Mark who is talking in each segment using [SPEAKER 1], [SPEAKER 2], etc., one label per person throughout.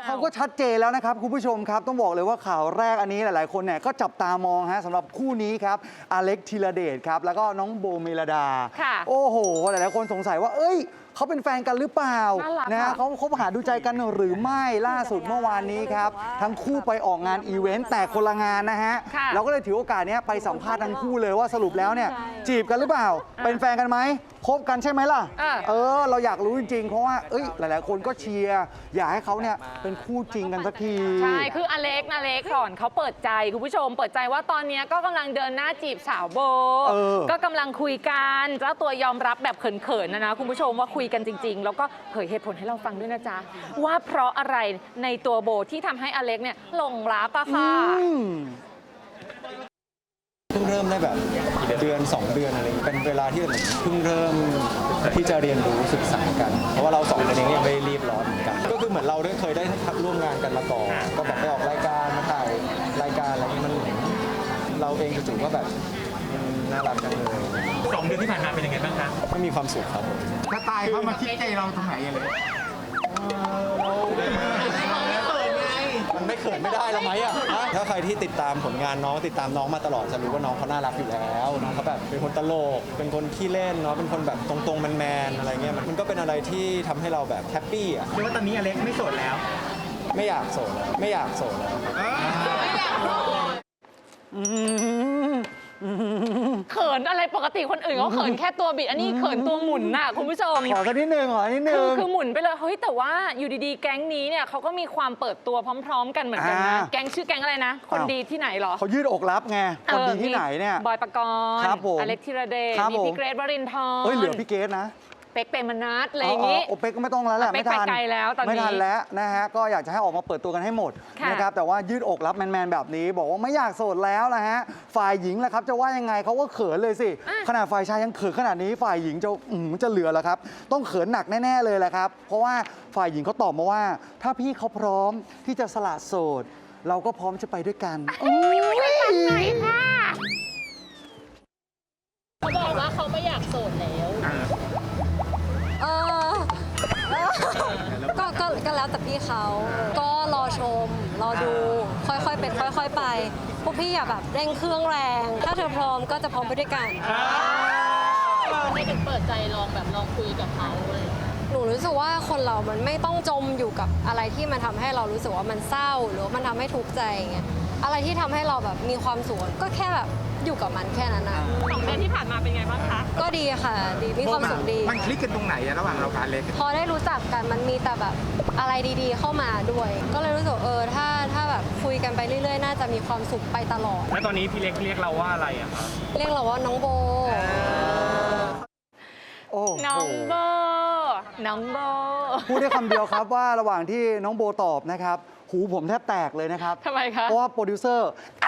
[SPEAKER 1] เขาก็ชัดเจนแล้วนะครับคุณผู้ชมครับต้องบอกเลยว่าข่าวแรกอันนี้หลายๆคนเนี่ยก็จับตามองฮะสำหรับคู่นี้ครับอเล็กธีรเดชครับแล้วก็น้องโบเมลดาโอ้โหหลายๆคนสงสัยว่าเอ้ยเขาเป็นแฟนกันหรือเปล่านะเขาคบหาดูใจกันหรือไม่ล่าสุดเมื่อวานนี้ครับทั้งคู่ไปออกงานอีเวนต์แต่คนละงานนะฮะเราก็เลยถือโอกาสนี้ไปสัมภาษณ์ทั้งคู่เลยว่าสรุปแล้วเนี่ยจีบกันหรือเปล่าเป็นแฟนกันไหมคบกันใช่ไหมล่ะเราอยากรู้จริงๆเพราะว่าหลายๆคนก็เชียร์อยากให้เขาเนี่ยเป็นคู่จริงกันสักที
[SPEAKER 2] ใช่คืออเล็กก่อนเขาเปิดใจคุณผู้ชมเปิดใจว่าตอนนี้ก็กำลังเดินหน้าจีบสาวโบก็กำลังคุยกันเจ้าตัวยอมรับแบบเขินๆนะคุณผู้ชมว่าคุยกันจริงๆแล้วก็เผยเหตุผลให้เราฟังด้วยนะจ๊ะว่าเพราะอะไรในตัวโบที่ทำให้อเล็กเนี่ยหลงรักอะค่ะ
[SPEAKER 3] เพิ่งเริ่มได้แบบเดือน2 เดือนอะไรเป็นเวลาที่เพิ่งเริ่มที่จะเรียนรู้ศึกษากันเพราะว่าเรา2 คนเองยังไม่รีบร้อนเหมือนกันก็คือเหมือนเราเคยได้ร่วมงานกันมาก่อนก็แบบไปออกรายการมาถ่ายรายการอะไรนี้มันเราเองจู่ๆก็แบบน่ารักจังเลย
[SPEAKER 4] 2 เดือนที่ผ่านมาเป็นยังไงบ้างคะ
[SPEAKER 3] ไม่มีความสุขครับผม
[SPEAKER 5] สไตล์เขามาคิดใจเราตรงไหนเลย
[SPEAKER 3] มันไม่เขินไม่ได้แล้วไหมอ่ะถ้าใครที่ติดตามผลงานน้องติดตามน้องมาตลอดจะรู้ว่าน้องเขาน่ารักอยู่แล้วน้องเขาแบบเป็นคนตลกเป็นคนขี้เล่นเนาะเป็นคนแบบตรงๆแมนๆอะไรเงี้ยมันก็เป็นอะไรที่ทำให้เราแบบแฮปปี้อ่ะ
[SPEAKER 4] คือว่าตอนนี้อเล็กไม่โสดแล้ว
[SPEAKER 3] ไม่อยากโสดแล้วไม่อยากโสดแล้ว
[SPEAKER 2] เขินอะไรปกติคนอื่นเขาเขินแค่ตัวบิดอันนี้เขินตัวหมุนน่ะคุณผู้ชม
[SPEAKER 1] ขอกันนิดนึง
[SPEAKER 2] คือหมุนไปเลยเฮ้ยแต่ว่าอยู่ดีๆแก๊งนี้เนี่ยเขาก็มีความเปิดตัวพร้อมๆกันเหมือนกันนะแก๊งชื่อแก๊งอะไรนะคนดีที่ไหนหรอ
[SPEAKER 1] เขายืดอกรับไงคนดีที่ไหนเนี่ย
[SPEAKER 2] บอยปกรณ์อเล็กธีรเดชมีพี่เกรทวรินทร์
[SPEAKER 1] เหลือพี่เกรทนะ
[SPEAKER 2] เป๊กเปรมนัทอะไรอย่างงี้
[SPEAKER 1] โอเป๊กก็ไม่ต้องแล้วแหละ
[SPEAKER 2] ไม่ทันแล้วตอนนี้
[SPEAKER 1] ไม่ทันแล้วนะฮะก็อยากจะให้ออกมาเปิดตัวกันให้หมดนะครับแต่ว่ายืดอกรับแมนๆแบบนี้บอกว่าไม่อยากโสดแล้วนะฮะฝ่ายหญิงแหละครับจะว่ายังไงเขาก็เขินเลยสิขนาดฝ่ายชายยังเขินขนาดนี้ฝ่ายหญิงจะเหลือเหรอครับต้องเขินหนักแน่ๆเลยแหละครับเพราะว่าฝ่ายหญิงเขาตอบมาว่าถ้าพี่เขาพร้อมที่จะสละโสดเราก็พร้อมจะไปด้วยกัน
[SPEAKER 2] ไหนค่ะเขาบอกว่าเขาไม่อยากโสดแล้ว
[SPEAKER 6] ก็แล้วแต่พี่เขาก็รอชมรอดูค่อยๆเป็นค่อยๆไปพวกพี่อย่าแบบเร่งเครื่องแรงถ้าเธอพร้อมก็จะพร้อมไปด้วยกัน
[SPEAKER 2] ไม่ถึงเปิดใจลองคุยกับเขาเลย
[SPEAKER 6] หนูรู้สึกว่าคนเรามันไม่ต้องจมอยู่กับอะไรที่มันทำให้เรารู้สึกว่ามันเศร้าหรือมันทำให้ทุกข์ใจอย่างเงี้ยอะไรที่ทำให้เราแบบมีความสุขก็แค่แบบอยู่กับมันแค่นั้นนะ
[SPEAKER 2] 2 เดือนที่ผ่านมาเป็นไงบ้างคะ
[SPEAKER 6] ก็ดีค่ะดีมีความสุขดี
[SPEAKER 5] มันคลิกกันตรงไหนระหว่างเรากับเล็ก
[SPEAKER 6] พอได้รู้จักกันมันมีแต่แบบอะไรดีๆเข้ามาด้วยก็เลยรู้สึกถ้าแบบคุยกันไปเรื่อยๆน่าจะมีความสุขไปตลอด
[SPEAKER 4] แล้วตอนนี้พี่เล็กเรียกเราว่าอะไรอะครับ
[SPEAKER 6] เรียกเราว่าน้องโบ
[SPEAKER 2] น้องโบ
[SPEAKER 1] พูดได้คำเดียวครับว่าระหว่างที่น้องโบตอบนะครับหูผมแทบแตกเลยนะครับ
[SPEAKER 2] ทำไมคะ
[SPEAKER 1] เพราะว่าโปรดิวเซอร์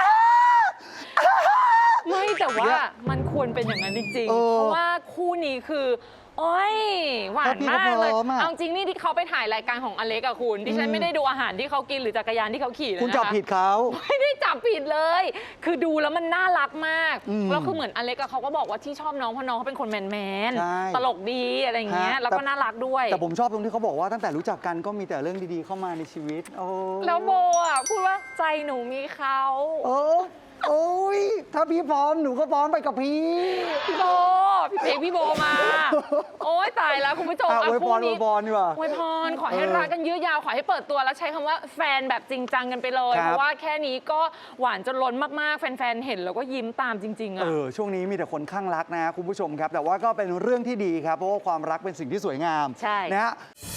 [SPEAKER 2] ไม่แต่ว่ามันควรเป็นอย่างนั้นจริงๆเพราะว่าคู่นี้คือโอ้ยหวานมากเลยเอาจริงนี่ที่เขาไปถ่ายรายการของอเล็กอะคุณดิฉันไม่ได้ดูอาหารที่เขากินหรือจักรยานที่เขาขี่เลยนะ
[SPEAKER 1] คุณจับผิดเขา
[SPEAKER 2] ไม่ได้จับผิดเลยคือดูแล้วมันน่ารักมากแล้วคือเหมือนอเล็กเขาก็บอกว่าที่ชอบน้องเพราะน้องเขาเป็นคนแมนตลกดีอะไรอย่างเงี้ยแล้วก็น่ารักด้วย
[SPEAKER 1] แต่ผมชอบตรงที่เขาบอกว่าตั้งแต่รู้จักกันก็มีแต่เรื่องดีๆเข้ามาในชีวิต
[SPEAKER 2] แล้วโบอะพูดว่าใจหนูมีเขา
[SPEAKER 1] โอ้ยถ้าพี่พร้อมหนูก็พร้อมไปกับพี่
[SPEAKER 2] โบพี่เพลงพี่โบมาโอ้ยตายแล้วคุณผู้ชม
[SPEAKER 1] อวยพรดีกว่า
[SPEAKER 2] อวยพรขอให้รักกันยืดยาวขอให้เปิดตัวแล้วใช้คำว่าแฟนแบบจริงจังกันไปเลยเพราะว่าแค่นี้ก็หวานจนล้นมากๆแฟนๆเห็นแล้วก็ยิ้มตามจริงๆ
[SPEAKER 1] ช่วงนี้มีแต่คนข้างรักนะคุณผู้ชมครับแต่ว่าก็เป็นเรื่องที่ดีครับเพราะว่าความรักเป็นสิ่งที่สวยงาม
[SPEAKER 2] ใช่
[SPEAKER 1] นะฮะ